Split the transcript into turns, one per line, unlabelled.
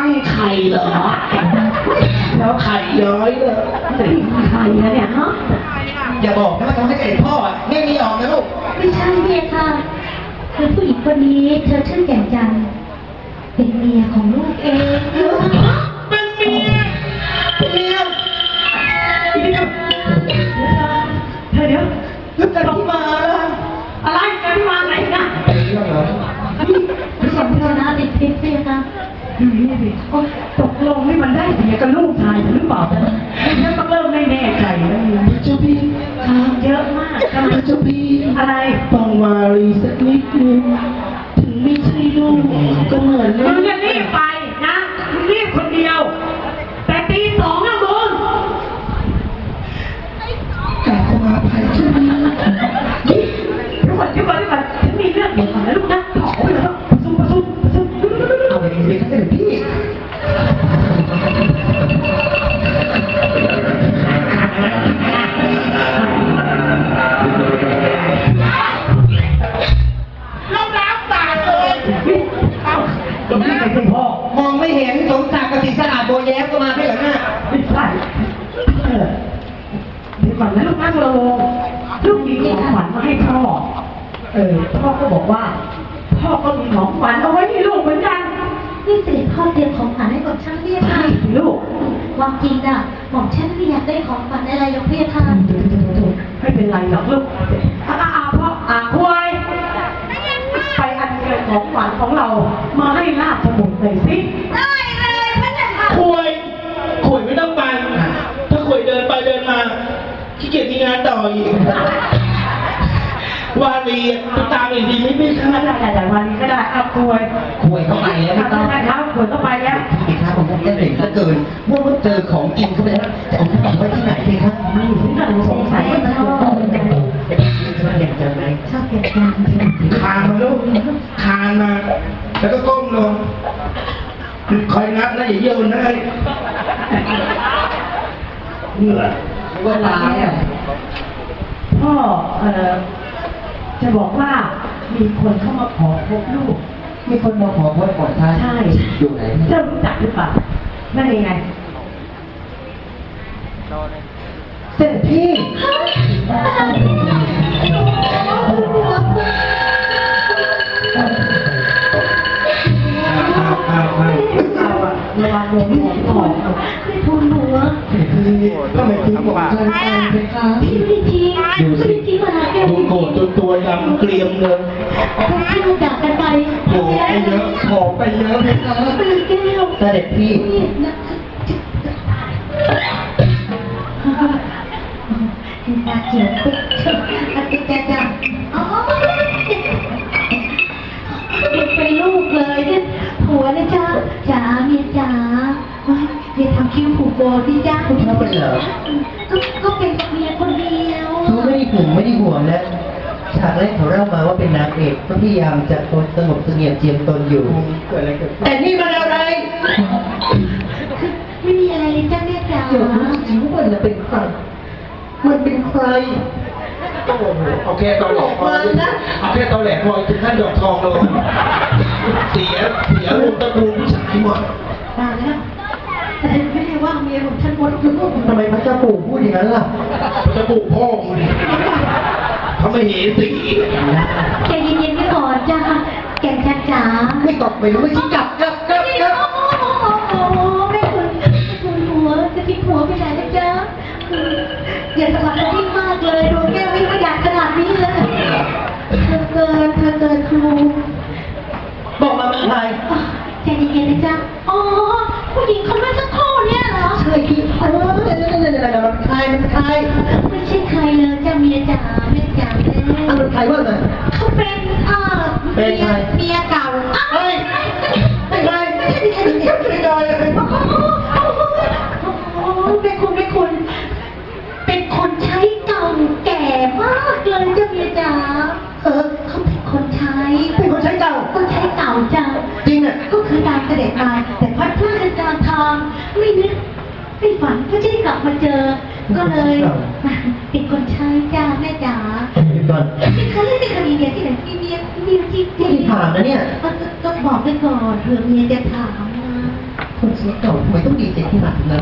ไข่เหรอแล้วไข่ย้อยเลยไข่นะเนี่ยฮะอย่าบอกนะว่าทำให้เด็กพ่อไม่มีออกนะลูก
ไม่ใช่เมียค่ะคือผู้หญิงคนนี้เธอชื่อแก่นจันทร์เป็นเมียของลูกเอง
เป็นเมียเมียเดี๋ยวจะต้องมาอะไรจะมาไหนนะเรื่องเหรอ
สมรนาติดพิษเมียค่ะ
ตกลงให้มันได้เมียกับลูกชายหรือเปล่าเนี่ยต้องเริ่มไม่แน่ใจแล้วเจ้าพี่เยอะมากเจ้าพี่อะไรต้องมารีสักนิดนึงถึงไม่ใช่ลูกก็เหมือนมึงจะรีบไปนะมึงรีบคนเดียวแต่ตีสองนะมึงกลับมาภายที่นี่เดี๋ยวก่อนฉันมีเรื่องเดี๋ยวก่อนนะลูกนะขอไปแล้วประชุมเอาไปเลยครับเดี๋ยวพี่เราล้างตาเลยเอาตรงนี้เป็นคุณพ่อมองไม่เห็นสมศักดิ์กสิสะอาดโบแย้มก็มาไม่เหรอหน้าไม่ใช่เดี๋ยวก่อนนะลูกนั่งลงลูกมีของขวัญมาให้พ่อพ่อก็บอกว่าพ่อก็มีของขวัญเอาไว้ให้ลูกเหมือนกัน
นี่เสด็จพ่อเตรียมของขวัญให้กับช่างเรียกค่ะ
ลูก
ความจริงน่ะบอกฉันไม่อยากได้ของขวัญอะไรหรอกเพี่ค่ะ
ไม่เป็นไรหรอกลูกพ่อคุยไปอัญเชิญของขวัญของเรามาให้ราชบุตรหน่อยสิ
ได้เลยพระเจ้าค่ะ
คุยไม่ต้องไปถ้าคุยเดินไปเดินมาขี้เกียจมีงานต่ออีกวารีตามอีกทีไม่ใช่แต่วารีก็ได้เอาคุย
เข้าไปแล้วไม่ต้อง
ครับคุยเข้าไปแล้ว
พี่ครับผมจะเด็กเหลือเกินเมื่อเจอของจริงเข้าไปแล้วจะเอาของไว้ที่ไหนดีครับ
นี่ถึงกับสงสัยว่าชอบ
เก่งจังไหม
ชอบเก่งจัง
คานมาลูกคานมาแล้วก็ก้มลงคอยนับนะอย่าเยี่ยวนะนี่แหละ
ว่าตาย
พ่อจะบอกว่ามีคนเข้ามาขอพบลูก
มีคนมาขอพบก่อนท่าน
ใช่
อยู่ไหน
เจ้ารู้จักหรือเปล่านั่นยังไง
เสร็จพี่
ระวังลมหัวก่อน
ไม่พูดหัว
ก็ไม่ทิ้งผมเลย
พี่ไม่ทิ้งไม่ทิ้งมาแก้ว
ดูโกรธจนตัวดำเกลียมเลย
ที่เราจากกันไป
โผล่ไปเยอะขอไปเยอะเลยครับ
เป็นแก้ว
เสด็จพี่
ตาเขียวปิ๊กติ๊กจังอ๋อเป็นลูกเลยเนี่ยผัวนะจ๊ะจ๋าเมียจ๋าอย่าทำคิ้วผูกโบที่จ้า
คุณเขาเป็นเหรอ
ก็เป็นเมียคนเดียว
เขาไม่ได้ห่วงไม่ได้ห่วงนะฉากแรกเขาเล่ามาว่าเป็นนางเอกก็พยายามจะสงบเสงี่ยมเจียมตนอยู่
เกิดอะไรเกิด
แต่นี่มันอะไร
ไม่มีอะไรเลยจ้าแม่จ๋า
เดี๋ยวรู้จริงว่ามันเป็นใครมันเป็นใคร
โอเคตอนหลอกพอโอเคตอนแหลกพอถึงขั้นดอกทองเลยเสียลูกตระกูลผู้ชายหมด
ตายแล้วแต่ไม่ได้ว่าเมียของฉันหมดลูก
ทำไมพระเจ้าปู่พูดอย่างนั้นล่ะ
พระเจ้าปู่พ่อคุณเขาไม่เห็นสี
ใจเย็นๆไม่ก่อนจ้าแก่นจ๋า
ไม่ตกไม่รู้ไม่ชี้กลับ
โอ้ไม่คุณหัวจะทิ้งหัวไปไหนนะจ๊ะอย่าสลับกันมากเลยดวงแก้วไม่อยากขนาดนี้เลยเธอเกินครู
บอกมาเป็นใคร
ใจเย็นๆนะจ๊ะอ๋อผู้หญิงคนเมื่อสักครู่เนี่ยเหรอ
ใช่คือมันใคร
ไม่ใช่ใครเลยจ้าเมียจ๋าแม่จ๋าแม่
มันใครวะเนี่ย
เขาเป็นเมียเก่า
เฮ้ยไม่ใช่
เป็นคุณเป็นคนใช้เก่าแก่มากเลยจ้าเมียจ๋าเขาเป็นคนใช้
เก่า
จ้า
จริงอ่ะ
ก็คือตามเสด็จมาแต่พัดพลาดกันกลางทางไม่นึกไม่ฝันก็จะได้กลับมาเจอก็เลยเป็นคนใช้จ้าแม่จ๋าไม่เคยเล่นในคดีเดียวที่ไหนที่เมียที่
ถามนะเนี่ย
ก็บอกไปก่อนเผื่อเมียจะถามนะ
เก่าทำไมต้องดีใจขนาดนั้น